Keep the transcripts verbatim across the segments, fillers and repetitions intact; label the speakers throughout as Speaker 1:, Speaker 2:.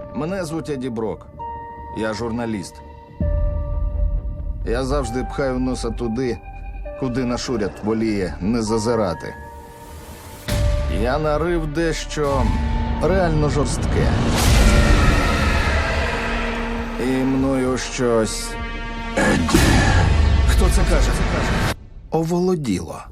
Speaker 1: Мене звуть Еді Брок. Я журналіст. Я завжди пхаю носа туди, куди наш уряд воліє не зазирати. Я нарив дещо реально жорстке. І мною щось...
Speaker 2: Едді.
Speaker 1: Хто це каже? Це каже? Оволоділо.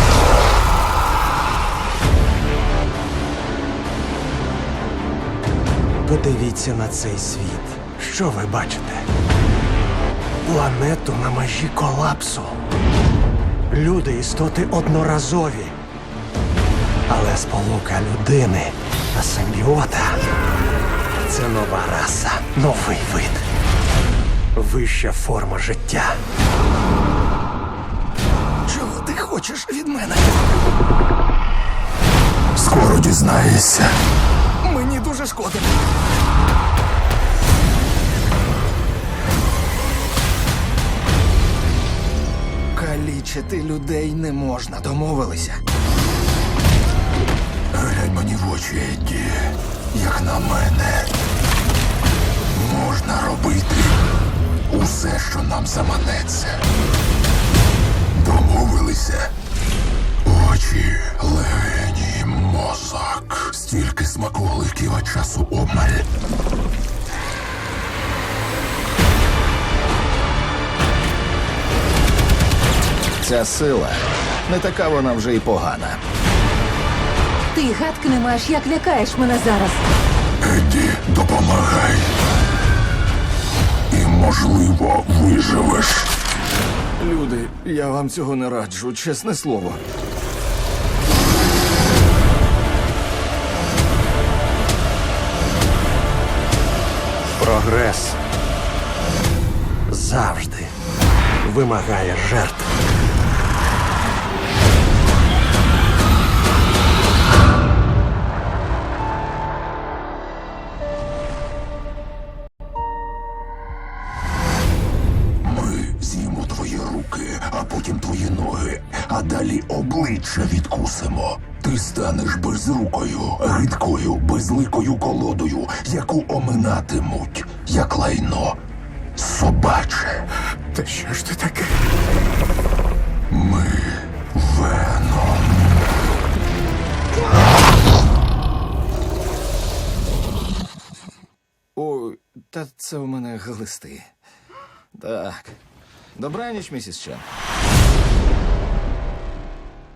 Speaker 3: Подивіться на цей світ. Що ви бачите? Планету на межі колапсу. Люди – істоти одноразові. Але сполука людини та симбіота – це нова раса, новий вид. Вища форма життя.
Speaker 1: Чого ти хочеш від мене?
Speaker 2: Скоро дізнаєшся.
Speaker 1: Мені дуже шкода. Калічити людей не можна, домовилися.
Speaker 2: Глянь мені в очі, Едді. Як на мене, можна робити усе, що нам заманеться. Домовилися? Очі, легені, мозок. Стільки смаколиків, а часу обмаль.
Speaker 1: Ця сила не така вона вже й погана.
Speaker 4: Ти гадки не маєш, як лякаєш мене зараз.
Speaker 2: Едді, допомагай. І, можливо, виживеш.
Speaker 1: Люди, я вам цього не раджу, чесне слово.
Speaker 3: Прогрес завжди вимагає жертв.
Speaker 2: Ми з'їмо твої руки, а потім твої ноги, а далі обличчя відкусимо. Ти станеш безрукою, гидкою, безликою колодою, яку оминатимуть, як лайно собаче.
Speaker 3: Та що ж ти таке?
Speaker 2: Ми Веном.
Speaker 1: Ой, та це у мене глисти. Так. Добраніч, місіс Чен.